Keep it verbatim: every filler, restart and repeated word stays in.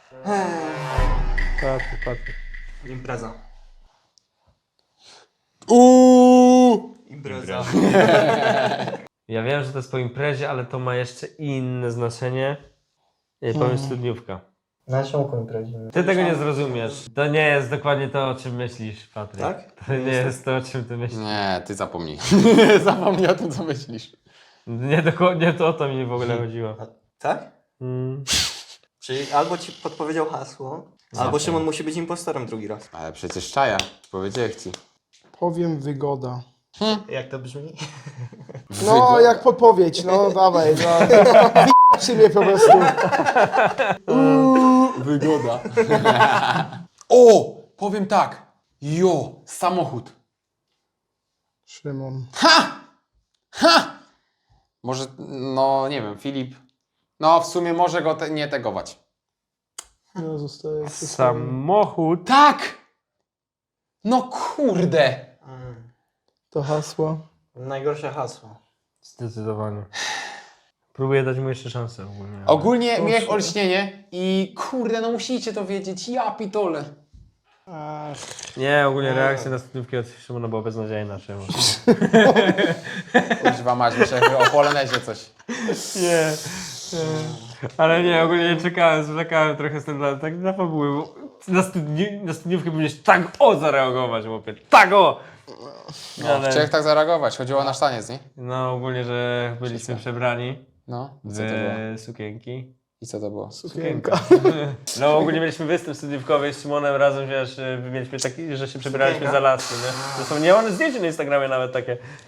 Patryk, Patryk. Impreza. Uuu! Impreza. Ja wiem, że to jest po imprezie, ale to ma jeszcze inne znaczenie. Nie, powiem studniówka. Na czemu imprezie? Ty tego nie zrozumiesz. To nie jest dokładnie to, o czym myślisz, Patryk. Tak? To nie jest to, o czym ty myślisz. Nie, ty zapomnij. Zapomnij o tym, co myślisz. Nie, dokładnie to o to mi w ogóle chodziło. Tak? Mm. Czyli albo ci podpowiedział hasło, albo Szymon musi być impostorem drugi raz. Ale przecież czaja. Powiedziałem ci. Powiem wygoda. Jak to brzmi? No, jak podpowiedź, no dawaj, no. Wy***cie mnie po prostu. Wygoda. O! Powiem tak. Jo! Samochód. Szymon. Ha! Ha! Może, no nie wiem, Filip. No w sumie może go te, nie tegować. Ja zostaję przy swoim. Samochód. Tak! No kurde! Mm. To hasło. Najgorsze hasło. Zdecydowanie. Próbuję dać mu jeszcze szansę ogólnie. ale- Ogólnie miałem olśnienie i kurde, no musicie to wiedzieć. Ja pitole. Ach, Nie, ogólnie reakcja na studniówki od Szymona była beznadziejna. Szymon. Używa mać, myślę że o polonezie coś. Nie, nie. Ale nie, ogólnie nie czekałem, zwlekałem trochę z tym dla, tak dla fabuły, bo na, studni, na studniówkę powinieneś tak o zareagować, chłopie, tak o! No, Ale- chciałem tak zareagować, chodziło o nasz taniec, nie? No ogólnie, że byliśmy Wszystko. przebrani No, i co to było? w sukienki. I co to było? sukienka. No ogólnie mieliśmy występ studniówkowy z Szymonem razem, wiesz, mieliśmy taki, że się przebieraliśmy Sukienka. za laski, nie? Zresztą nie, one zdjęcie na Instagramie nawet takie.